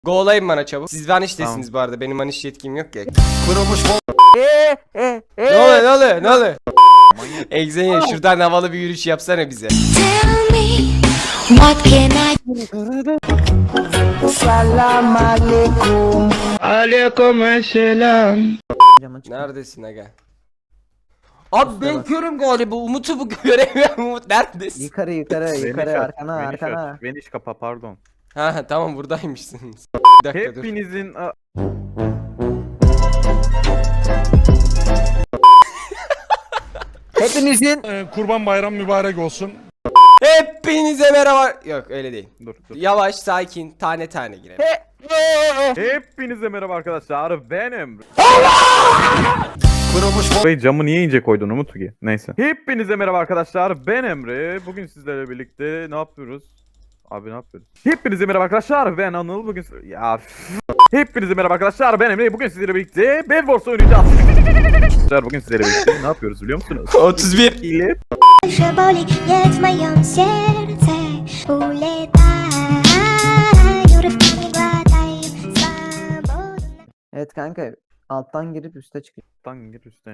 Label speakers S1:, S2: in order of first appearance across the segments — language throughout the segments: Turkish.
S1: Go'layın bana çabuk. Siz vaniştesiniz bu arada. Benim vaniş yetkim yok ya.
S2: Kırılmış
S1: Ne oluyor ne oluyor ne oluyor? Egzenya şuradan havalı bir yürüyüş yapsana bize.
S3: Tell me, what can I
S4: Salam aleyküm. Aleyküm selam.
S1: Neredesin aga? Abi ben körüm galiba. Umut'u bu göremiyorum. Umut neredesin?
S4: Yukarı arkana.
S5: Veniş kapa pardon.
S1: Ha tamam buradaymışsınız. Bir dakika dur.
S5: Hepinizin
S4: Hepinizin
S6: Kurban bayram mübarek olsun.
S1: Hepinize merhaba. Yok öyle değil.
S5: dur.
S1: Yavaş sakin tane tane girelim.
S5: Hepinize merhaba arkadaşlar. Benim.
S2: Kırılmış
S5: Burayı camı niye ince koydun Umut ki? Neyse. Hepinize merhaba arkadaşlar. Ben Emre. Bugün sizlerle birlikte ne yapıyoruz? Abi ne yapıyoruz? Hepinize merhaba arkadaşlar. Ben Anıl. Bugün Hepinize merhaba arkadaşlar. Ben Emre. Bugün sizlerle birlikte Bed Wars oynayacağız. Bugün sizlerle birlikte ne yapıyoruz biliyor musunuz?
S1: 31.
S5: İle
S3: je boli, jedz moją serce uletaj, urywkami gładaj swobodne.
S4: Evet kanka alttan girip üste çıkıyor.
S5: gir üstten.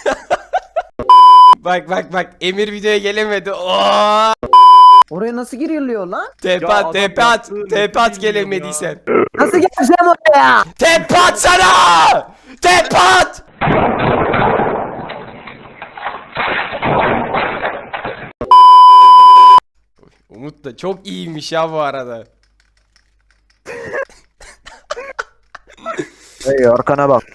S1: Bak Emir videoya gelemedi. Oo!
S4: Oraya nasıl giriliyor lan?
S1: Tepe
S5: Ya
S1: at
S5: adam
S1: tepe at.
S5: yaptığı
S1: Tepe
S5: nefret
S1: at gelemediysen.
S4: Nasıl geleceğim oraya?
S1: Tepe at sana! Tepe at! Umut da çok iyiymiş ya bu arada.
S4: Hey arkana bak.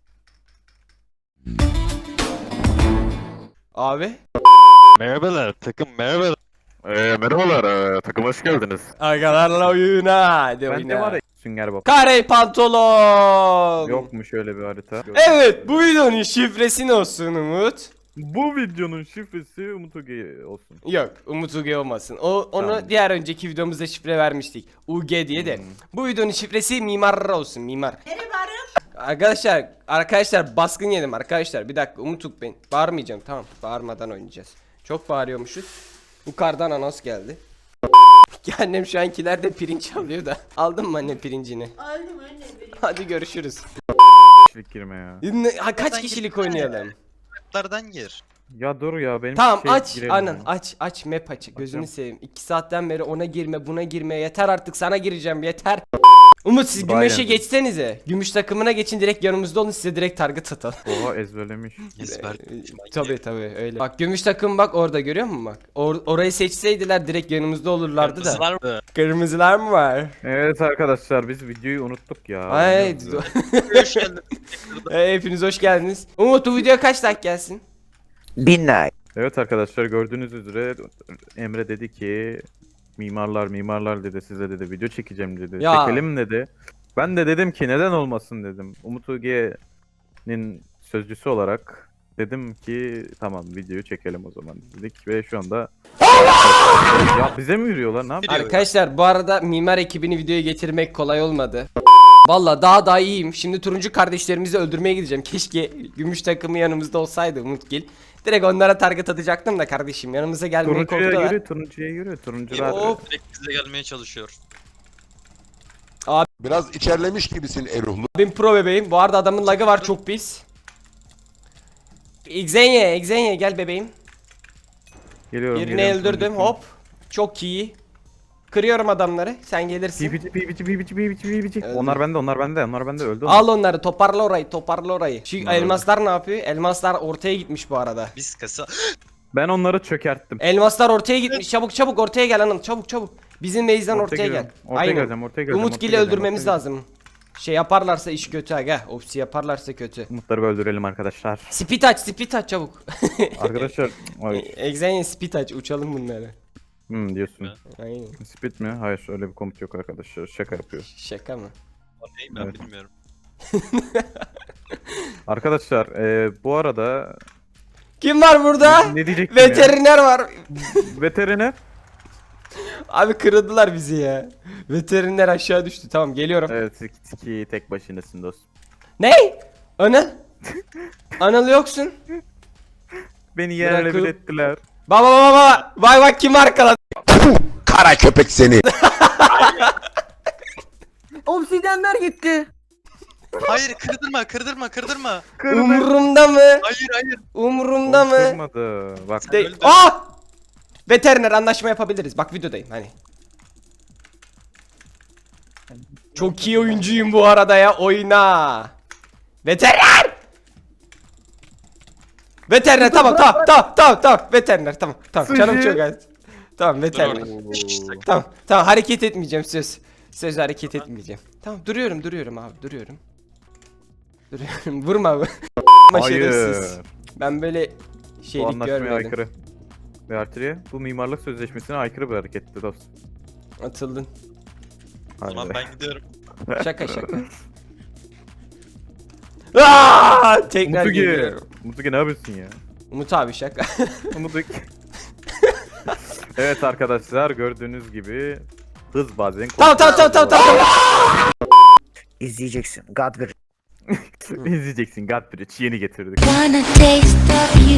S1: Abi.
S7: Merhabalar takım merhabalar. Merhabalar takım hoş geldiniz.
S1: Agalarla oyuna. Hadi
S5: Bende var
S1: oyuna.
S5: ya sünger bak.
S1: Kare pantolon.
S5: Yok mu şöyle bir harita?
S1: Evet bu videonun şifresi ne olsun Umut?
S5: Bu videonun şifresi Umut Oge olsun.
S1: Yok Umut UG olmasın. Onu
S5: Tamam.
S1: diğer önceki videomuzda şifre vermiştik. UG diye de. Bu videonun şifresi mimar olsun mimar. Arkadaşlar baskın yedim arkadaşlar. Bir dakika Umut Uk ben. Bağırmayacağım tamam. Bağırmadan oynayacağız. Çok bağırıyormuşuz. Yukarıdan anons geldi. Annem şu ankilerde pirinç alıyor da. Aldın mı anne pirincini?
S8: Aldım anne.
S1: Hadi görüşürüz.
S5: Kişilik girme ya.
S1: Kaç kişilik oynayalım?
S7: Kartlardan gir.
S5: Ya dur ya benim
S1: Tamam
S5: şey
S1: aç
S5: girelim
S1: anan
S5: ya.
S1: aç map aç gözünü
S5: Açıyorum.
S1: seveyim 2 saatten beri ona girme buna girme yeter artık sana gireceğim yeter. Umut siz
S5: Bayağı
S1: gümüşe
S5: geldi.
S1: geçsenize. Gümüş takımına geçin direkt yanımızda olun size direkt target atalım.
S5: Oha ezberlemiş.
S7: Ezber.
S1: Tabii öyle. Bak gümüş takım bak orada görüyor musun bak. Orayı seçseydiler direkt yanımızda olurlardı da.
S7: Kırmızılar mı?
S1: Kırmızılar mı var?
S5: Evet arkadaşlar biz videoyu unuttuk ya.
S1: Ay
S7: Hoş geldin.
S1: hepiniz hoş geldiniz. Umut bu video kaç like gelsin?
S4: 1000 like.
S5: Evet arkadaşlar gördüğünüz üzere Emre dedi ki mimarlar dedi size dedi video çekeceğim dedi.
S1: Ya.
S5: Çekelim dedi. Ben de dedim ki neden olmasın dedim. Umut Oge'nin sözcüsü olarak dedim ki tamam videoyu çekelim o zaman dedik ve şu anda ya bize mi yürüyorlar ne yapıyor?
S1: Arkadaşlar bu arada mimar ekibini videoya getirmek kolay olmadı. Valla daha iyiyim. Şimdi turuncu kardeşlerimizi öldürmeye gideceğim. Keşke gümüş takımı yanımızda olsaydı Umutgil. Direkt onlara target atacaktım da kardeşim yanımıza gelmeye korktular.
S5: Turuncuya yürü turuncular.
S1: Hop.
S7: Direkt bize gelmeye çalışıyor.
S2: Biraz içerlemiş gibisin Eruhlu.
S1: Ben pro bebeğim. Bu arada adamın lagı var çok pis. Exenye gel bebeğim.
S5: Geliyorum.
S1: Birini
S5: geliyorum,
S1: öldürdüm
S5: turuncu.
S1: hop. Çok iyi. Kırıyorum adamları. Sen gelirsin.
S5: PvP.
S1: Öldü.
S5: Onlar bende öldü.
S1: Al onları toparla orayı. Şu elmaslar ne yapıyor? Elmaslar ortaya gitmiş bu arada.
S7: Biz kasa.
S5: Ben onları çökerttim.
S1: Elmaslar ortaya gitmiş. Çabuk ortaya gel hanım. Çabuk. Bizim base'den ortaya gel.
S5: Ortaya geleceğim.
S1: Umutgil'i öldürmemiz lazım. Şey yaparlarsa iş kötü aga. Opsi yaparlarsa kötü.
S5: Umutları öldürelim arkadaşlar.
S1: Speed aç çabuk.
S5: Arkadaşlar ay,
S1: Exenye speed aç uçalım bunları.
S5: diyorsun.
S1: Aynen.
S5: Speed mi? Hayır öyle bir komut yok arkadaşlar. Şaka yapıyor.
S1: Şaka mı?
S7: O ne ben
S5: Evet.
S7: bilmiyorum.
S5: Arkadaşlar bu arada
S1: Kim var burada?
S5: ne diyecektim ya?
S1: Veteriner var.
S5: Veteriner.
S1: Abi kırıldılar bizi ya. Veteriner aşağı düştü. Tamam geliyorum.
S5: Evet ki tek başınasın dostum.
S1: Ne? Anıl? Anıl yoksun.
S5: Beni yerle
S1: Bırakıp-
S5: bir ettiler.
S1: Baba. Bak kim arkaladı.
S2: Kara köpek seni.
S4: Obsidiyenler gitti.
S7: Hayır kırdırma.
S1: Umurumda mı?
S7: Hayır.
S1: Umurumda mı?
S5: Kırmadı. Bak
S1: De
S7: öldün.
S1: Veteriner anlaşma yapabiliriz. Bak videodayım hani. Çok iyi oyuncuyum bu arada ya. Oyna. Veteriner! Veteriner tamam. Veteriner tamam. Canım çok az. Tamam veteriner. Tamam hareket etmeyeceğim söz. Söz hareket etmeyeceğim. Tamam duruyorum abi duruyorum. Vurma abi. Şerefsiz.
S5: hayır.
S1: Ben böyle
S5: Bu
S1: şeylik
S5: anlaşmaya
S1: görmedim.
S5: aykırı. Ve Artriye bu mimarlık sözleşmesine aykırı bir hareketti dostum.
S1: Atıldın.
S7: O zaman
S5: Hadi.
S7: ben gidiyorum.
S1: Şaka. Aaaa! Tekrar
S5: Mutugi.
S1: geliyorum.
S5: Mutugi ne yapıyorsun ya?
S1: Umut abi şaka.
S5: Mutugi. Evet arkadaşlar gördüğünüz gibi hız bazen
S1: Tamam.
S4: İzleyeceksin. God ver.
S5: İzleyeceksin Godbridge yeni getirdik.
S3: Wanna taste of you,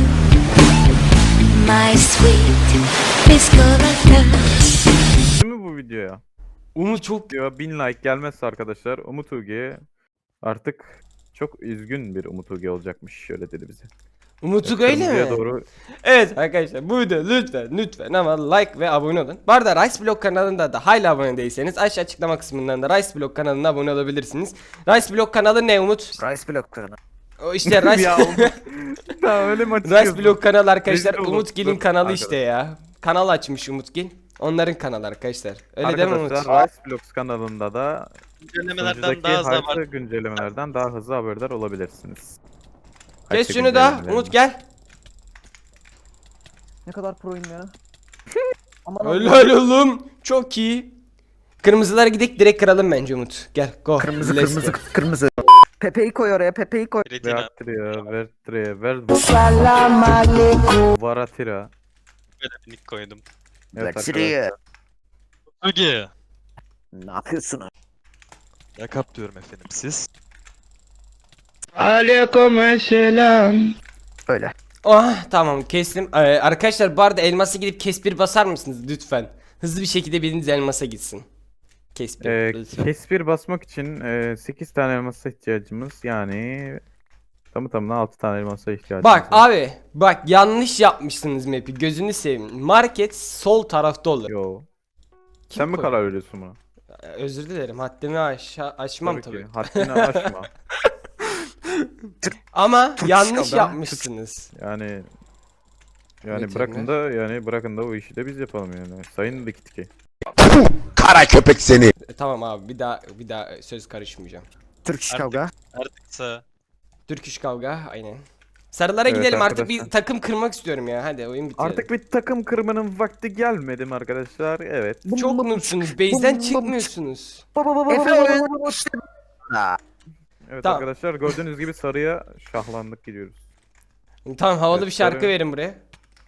S3: my sweet biscotti.
S5: Değil mi bu videoya?
S1: Umut çok
S5: Video 1000 like gelmezse arkadaşlar Umut Ugi artık çok üzgün bir Umut Ugi olacakmış şöyle dedi bize.
S1: Umut'u öyle
S5: Kırmızıya
S1: mi?
S5: doğru
S1: Evet arkadaşlar bu video lütfen ama like ve abone olun. Bu arada Rice Block kanalında da hala abone değilseniz aşağı açıklama kısmından da Rice Block kanalına abone olabilirsiniz. Rice Block kanalı ne Umut?
S4: Rice bloklarına.
S1: O işte Rice
S5: Ya Tamam öyle mi
S1: Rice
S5: açıklıyorsun?
S1: Block kanalı arkadaşlar
S5: Rezil olduk.
S1: Umutgil'in
S5: Dur,
S1: kanalı
S5: arkadaş.
S1: işte ya. Kanal açmış Umutgil. Onların kanalı arkadaşlar. Öyle değil mi Umut?
S5: Arkadaşlar Rice Blocks kanalında da
S7: Güncellemelerden
S5: sunucudaki
S7: daha hızlı
S5: harita
S7: var.
S5: güncellemelerden daha hızlı haberdar olabilirsiniz.
S1: Kes
S5: Harita
S1: şunu da
S5: güncellemelerinden.
S1: Umut gel.
S4: Ne kadar proyum ya. Aman
S1: Helal oğlum. Çok iyi. Kırmızılara gidip direkt kıralım bence Umut. Gel go. Let's go.
S4: kırmızı. Pepe'yi koy oraya. Pepe'yi koy.
S7: Retina.
S5: Vertria, Varatira.
S7: Böyle bir nick koydum.
S5: Evet
S4: Vertria.
S5: arkadaşlar.
S7: Öge.
S4: Ne yapıyorsun?
S7: Yakap diyorum efendim siz.
S4: Öyle.
S1: Ah tamam kestim. Arkadaşlar bu arada elması gidip kespir basar mısınız lütfen? Hızlı bir şekilde biriniz elmasa gitsin. Kespir lütfen.
S5: Kespir basmak için 8 tane elmasa ihtiyacımız yani tamına 6 tane elmasa ihtiyacımız
S1: Bak
S5: var.
S1: abi bak yanlış yapmışsınız map'i gözünü seveyim. Market sol tarafta olur.
S5: Yo.
S1: Kim
S5: Sen mi
S1: koy-
S5: karar veriyorsun buna?
S1: Özür dilerim haddimi aşmam tabii.
S5: ki. Haddini aşma.
S1: Ama yanlış
S4: şurada.
S1: yapmışsınız.
S5: Yani
S1: Veteriner.
S5: bırakın da o işi de biz yapalım yani. Sayın Dikitki.
S2: Kara köpek seni.
S1: Tamam abi bir daha söz karışmayacağım.
S4: Türk iş
S7: Artık-
S4: kavga.
S7: Artıksa
S1: Türk iş kavga aynen. Sarılara
S5: Evet
S1: gidelim artık
S5: arkadaşlar.
S1: bir takım kırmak istiyorum ya. Hadi oyun bitiyor.
S5: Artık bir takım kırmanın vakti gelmedi mi arkadaşlar? Evet.
S1: Çok noobsunuz. Base'den çıkmıyorsunuz.
S4: Efe oyun.
S5: Evet
S1: Tamam.
S5: arkadaşlar gördüğünüz gibi sarıya şahlandık gidiyoruz.
S1: Tamam havalı
S5: Evet,
S1: bir şarkı
S5: sarı.
S1: verin buraya.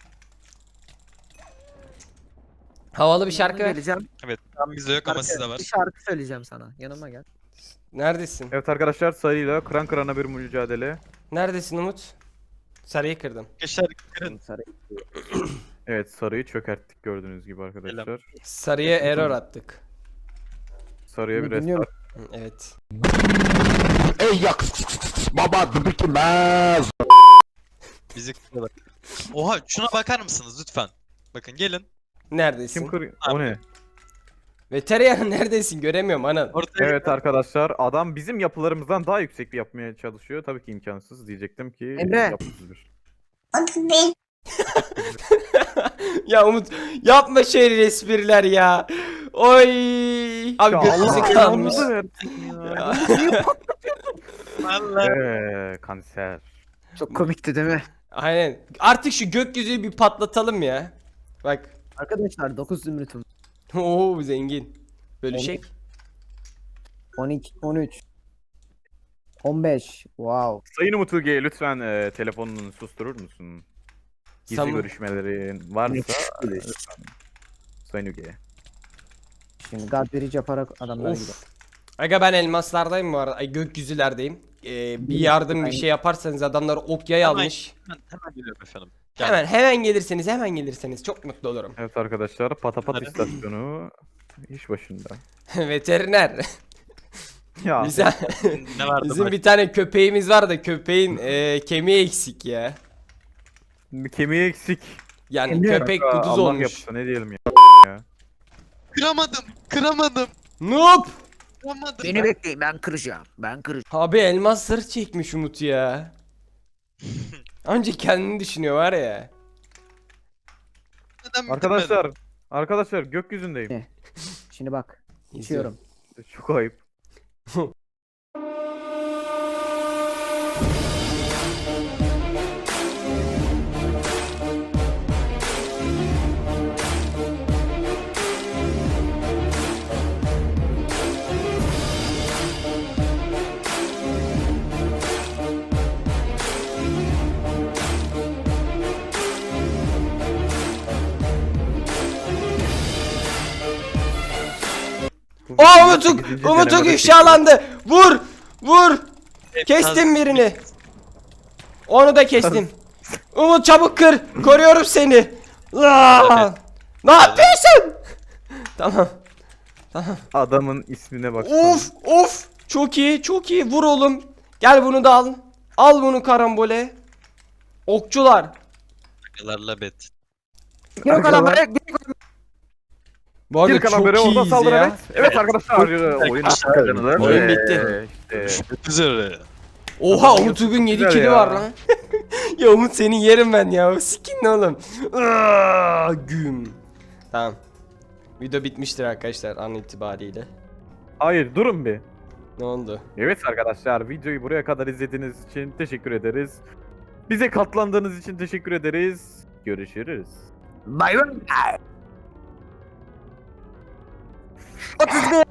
S1: Havalı bir şarkı ver.
S4: Geleceğim.
S7: tam bizde yok ama sizde var.
S4: Bir şarkı söyleyeceğim sana. Yanıma gel.
S1: Neredesin?
S5: Evet arkadaşlar sarıyla kıran kırana bir mücadele.
S1: Neredesin Umut? Sarıyı kırdım.
S7: Arkadaşlar kırın.
S5: Evet sarıyı çökerttik gördüğünüz gibi arkadaşlar.
S1: Sarıya error attık.
S5: Sarıya bir
S4: Dinliyorum.
S5: restart.
S1: Hı, evet.
S2: Ey yak baba bitmez.
S7: Bizi kırıyorlar. Oha şuna bakar mısınız lütfen? Bakın gelin.
S1: Neredesin?
S5: Kim kır... O ne?
S1: Veteriner neredesin? Göremiyorum anam.
S7: Ortaya
S5: Evet arkadaşlar adam bizim yapılarımızdan daha yüksek bir yapmaya çalışıyor. Tabii ki imkansız diyecektim ki.
S4: Emre.
S5: yapısız bir.
S1: Ya Umut yapma şey espriler ya. Oy. Abi
S5: Ya
S1: gözümüzü
S5: Allah
S1: kalmış.
S5: belanızı versin ya.
S1: Ya.
S7: Allah.
S5: Kanser.
S4: Çok komikti değil mi?
S1: Aynen. Artık şu gökyüzüyü bir patlatalım ya. Bak.
S4: Arkadaşlar 9 zümrütüm.
S1: Oo zengin. Bölüşek.
S4: 12, 13. 15. Wow.
S5: Sayın Umut Uge lütfen telefonunu susturur musun? Gizli
S1: Sam-
S5: görüşmelerin varsa Sayın Uge.
S4: Şimdi God verici yaparak adamlara gidelim.
S1: Of. Aga ben elmaslardayım bu arada. Ay gökyüzülerdeyim. Bir yardım bir şey yaparsanız adamlar ok yay
S7: Hemen-
S1: almış.
S7: Hemen geliyorum efendim.
S1: Hemen gelirseniz çok mutlu olurum.
S5: Evet arkadaşlar Patapat
S7: Hadi.
S5: istasyonu iş başında.
S1: Veteriner.
S5: Ya.
S7: Ne vardı
S1: Bizim
S7: bak?
S1: bir tane köpeğimiz var da köpeğin kemiği eksik ya.
S5: Kemiği eksik.
S1: Yani köpek
S5: Kanka,
S1: kuduz
S5: Allah
S1: olmuş.
S5: yapsa ne diyelim ya.
S7: Kıramadım. Kıramadım.
S1: Noob!
S7: Kıramadım.
S4: Beni bekleyin ben kıracağım. Ben kıracağım.
S1: Abi elmas zırh çekmiş Umut ya. Önce kendini düşünüyor var ya.
S7: Neden
S5: Arkadaşlar. Arkadaşlar gökyüzündeyim.
S4: Şimdi bak. İçiyorum.
S5: Çok ayıp.
S1: Aa
S5: Sekizinci
S1: Umut'uk
S5: denemede
S1: ifşalandı. Vur! Vur!
S7: Evet,
S1: Kestim birini. Onu da kestim. Umut çabuk kır. Koruyorum seni. Aa! Ne yapıyorsun? Tamam.
S5: Adamın ismine bak.
S1: Of of. Çok iyi çok iyi. Vur oğlum. Gel bunu da al. Al bunu karambole. Okçular.
S7: Takılarla bet.
S4: Gir o kalamara.
S1: Bu arada
S5: Bir kalan
S1: çok
S5: beri orada
S1: iyiyiz
S5: saldır
S1: ya.
S5: evet. Evet arkadaşlar oyun kazanılır.
S1: Oyun bitti.
S5: İşte.
S7: Üzere.
S1: Oha Umut bugün 7
S5: güzel
S1: kili
S5: ya.
S1: var lan. Ya Umut seni yerim ben ya. Sikin ne oğlum. Aa, güm. Tamam. Video bitmiştir arkadaşlar an itibariyle.
S5: Hayır durun bir.
S1: Ne oldu?
S5: Evet arkadaşlar videoyu buraya kadar izlediğiniz için teşekkür ederiz. Bize katlandığınız için teşekkür ederiz. Görüşürüz.
S4: Bay bay. 31.